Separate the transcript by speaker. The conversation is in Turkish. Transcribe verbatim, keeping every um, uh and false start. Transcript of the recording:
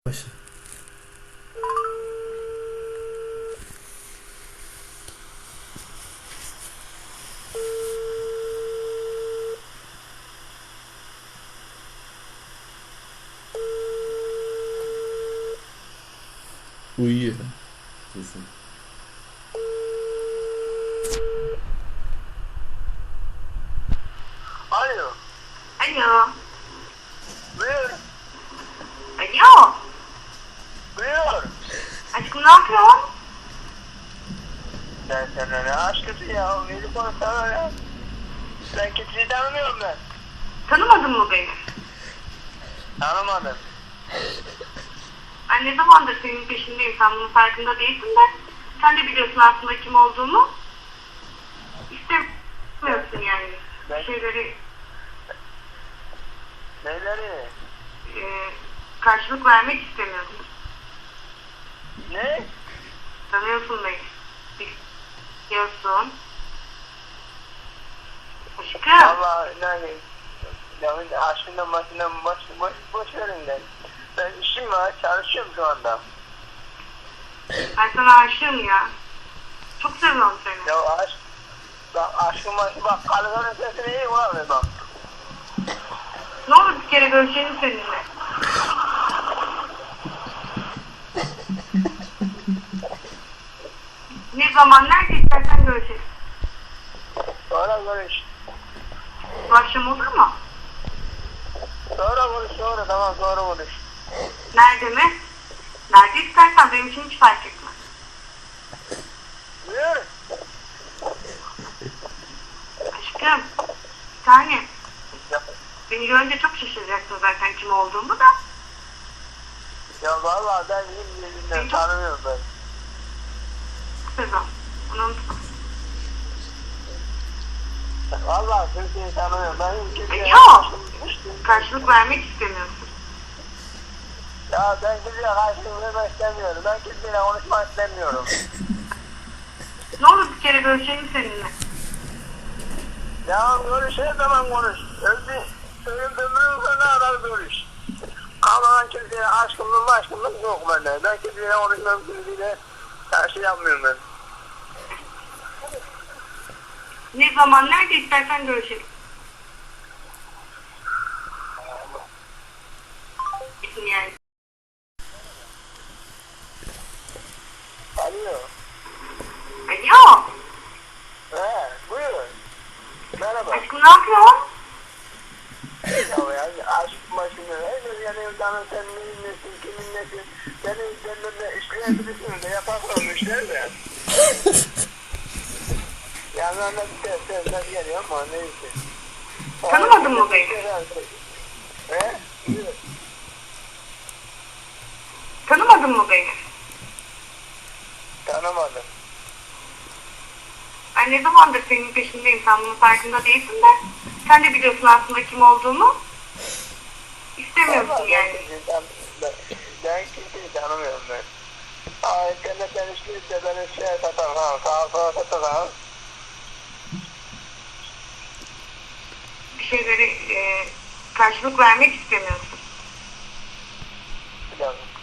Speaker 1: Başla. Uyuyor. Kesin.
Speaker 2: Alo.
Speaker 3: Alo.
Speaker 2: Buyur.
Speaker 3: Alo.
Speaker 2: Buyur.
Speaker 3: Aşkım ne yapıyorsun?
Speaker 2: Sen sana ne aşkısı ya? Beni konuşsana ya. Sen kimseyi tanımıyorum ben.
Speaker 3: Tanımadın mı beni?
Speaker 2: Tanımadım.
Speaker 3: Ben ne zamandır senin peşindeyim. Sen bunun farkında değilsin de. Sen de biliyorsun aslında kim olduğumu. İstemiyorsun yani.
Speaker 2: Ben-
Speaker 3: Bir şeyleri
Speaker 2: Neleri?
Speaker 3: e, karşılık vermek istemiyorsun.
Speaker 2: Ne?
Speaker 3: Tanıyorsun beni. Biliyorsun. Aşkım.
Speaker 2: Allah yani. Yani aşkından başından boş, boş, boş verin ben. Ben işim var, çalışıyorum şu anda.
Speaker 3: Ben sana aşığım ya. Çok seviyorum seni.
Speaker 2: Ya aşk, bak aşkım aşkım bak kalkanın sesini iyi ulan bak.
Speaker 3: Ne olur bir kere görüşelim seninle. Ne zaman nerede istersen görüşelim.
Speaker 2: Sonra konuş.
Speaker 3: Bu akşam olur mu?
Speaker 2: Sonra konuş sonra tamam sonra konuş.
Speaker 3: Nerede mi? Nerede istersen benim için hiç fark etmez.
Speaker 2: Buyur.
Speaker 3: Aşkım, bir tane.
Speaker 2: Ya,
Speaker 3: Beni görünce çok şaşıracaksın zaten kim olduğumu da.
Speaker 2: ya valla ben yemin yeminle tanımıyorum ben.
Speaker 3: Sezon, bunu unutma.
Speaker 2: Valla kimseyi tanımıyorum. Ben kimseye...
Speaker 3: Yok, karşılık vermek istemiyorsun.
Speaker 2: Ya ben kimseye karşılık vermek istemiyorum. Ben kimseyle konuşmak istemiyorum.
Speaker 3: Ne olur bir kere görüşelim seninle.
Speaker 2: Ya konuş her zaman konuş. Öldü. Ölüm ömrüm sana kadar konuş. Ama ben kimseye aşkımlık aşkımlık yok bende. Ben kimseyle konuşmam kimseyle her şey yapmıyorum ben.
Speaker 3: Ne zaman nerede istersen görüşelim. Yani.
Speaker 2: Alo.
Speaker 3: Alo,
Speaker 2: He buyur. Merhaba.
Speaker 3: aşkım ne yapıyorsun?
Speaker 2: Ya ya aşk başını herkes yanıyor canım sen neyin nesin kimin nesin senin üzerinde işleyebilirsin de yaparsan işler de. Yanlarına bir ses sesler geliyor ama neyse.
Speaker 3: Tanımadın mı beni?
Speaker 2: He? Buyur.
Speaker 3: Tanımadın mı beni?
Speaker 2: Tanımadım.
Speaker 3: Ben ne zamandır senin peşindeyim. Sen bunun farkında değilsin de. Sen de biliyorsun aslında kim olduğumu. İstemiyorsun
Speaker 2: Vallahi
Speaker 3: yani.
Speaker 2: Ben, kimseyi tan- ben, ben kimseyi tanımıyorum ben. Aa internetten işleyip ben şey satarım ha. Sağa sola satarım.
Speaker 3: Bir şeyleri e, karşılık vermek istemiyorsun.
Speaker 2: Bir dakika.